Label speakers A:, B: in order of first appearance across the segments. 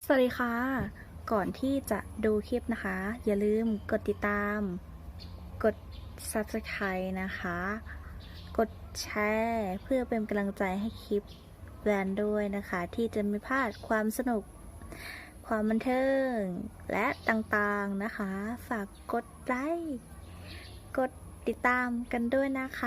A: สวัสดีค่ะ ก่อนที่จะดูคลิปนะคะ อย่าลืมกดติดตาม กด Subscribe นะคะ กดแชร์เพื่อเป็นกำลังใจให้คลิปแบรนด์ด้วยนะคะ ที่จะไม่พลาดความสนุก ความบันเทิง และต่างๆนะคะ ฝากกดไลค์ กดติดตามกันด้วยนะคะ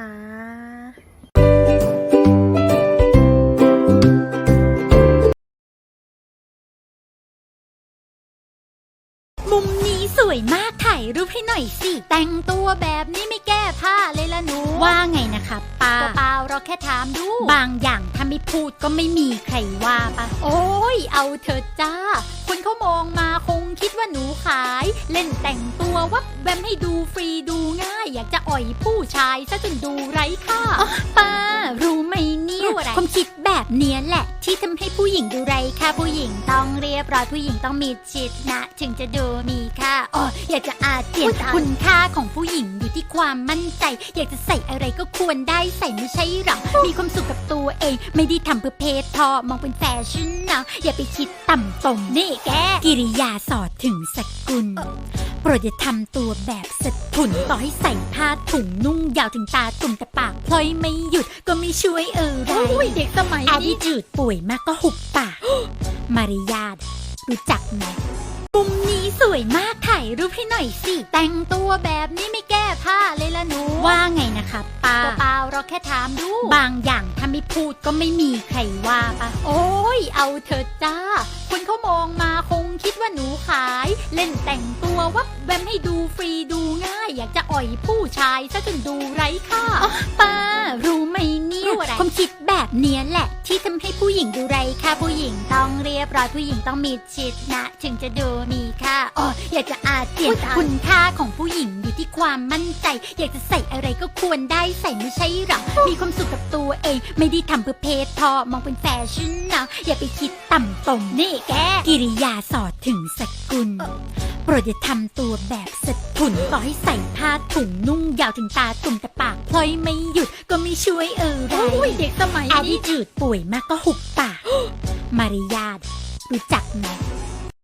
B: มุมนี้สวยมากถ่ายรูปให้หน่อยสิแต่งตัวแบบนี้ไม่แก้ผ้าเลยล่ะหนูว่าไงนะคะป้าเปล่าเราแค่ถามดูบางอย่างถ้าไม่พูดก็ไม่มีใครว่าปะโอ้ยเอาเถอะจ้าคนเขามองมาคงคิดว่าหนูขายเล่นแต่งตัววับแวมให้ดูฟรีดูง่ายอยากจะอ่อยผู้ชายซะจนดูไร้ค่าป้ารู้ไหมเนี่ยความคิดแบบเนี้ยแหละที่ทำให้ผู้หญิงดูไร้ค่าผู้หญิงต้องเรียบร้อยผู้หญิงต้องมีจิตนะถึงจะดูมีค่าอยากจะอาเจียนคุณค่าของผู้หญิงอยู่ที่ความมั่นใจอยากจะใส่อะไรก็ควรได้ใส่ไม่ใช่หรอมีความสุขกับตัวเองไม่ได้ทำเพื่อเพศพอมองเป็นแฟชั่นนะอย่าไปคิดต่ำตมนี่แกกิริยาสอดถึงสกุลโปรดอย่าทำตัวแบบสะทุนต่อให้ใส่ผ้าถุงนุ่งยาวถึงตาตุ่มแต่ปากพลอยไม่หยุดก็ไม่ช่วยไรเด็กสมัยนี้จืดป่วยมากก็หุบปากมารยาทรู้จักไหมมุมนี้สวยมากถ่ายรูปให้หน่อยสิแต่งตัวแบบนี้ไม่แก้ผ้าเลยล่ะหนูว่าไงนะคะป้าเปล่าเราแค่ถามดูบางอย่างถ้าไม่พูดก็ไม่มีใครว่าปะโอ้ยเอาเถอะจ้าคนเขามองมาคงคิดว่าหนูขายเล่นแต่งตัววับแวมให้ดูฟรีดูง่ายอยากจะอ่อยผู้ชายซะจนดูไร้ค่าป้ารู้ไหมเนี่ยความคิดแบบเนี้ยแหละที่ทำให้ผู้หญิงดูไร้ค่าผู้หญิงต้องเรียบร้อยผู้หญิงต้องมีจิตนะถึงจะดูมีค่าอยากจะอาเจียนคุณค่าของผู้หญิงอยู่ที่ความมั่นใจอยากจะใส่อะไรก็ควรได้ใส่ไม่ใช่หรอมีความสุขกับตัวเองไม่ได้ทำเพื่อเพศพอมองเป็นแฟชั่นนะอย่าไปคิดต่ำตมนี่แกกิริยาสอดถึงสกุลโปรดอย่าทำตัวแบบสะทุนต่อให้ใส่ผ้าถุงนุ่งยาวถึงตาตุ่มแต่ปากพลอยไม่หยุดก็ไม่ช่วยไรเด็กสมัยนี้จืดป่วยมากก็หุบปากมารยาทรู้จักไหม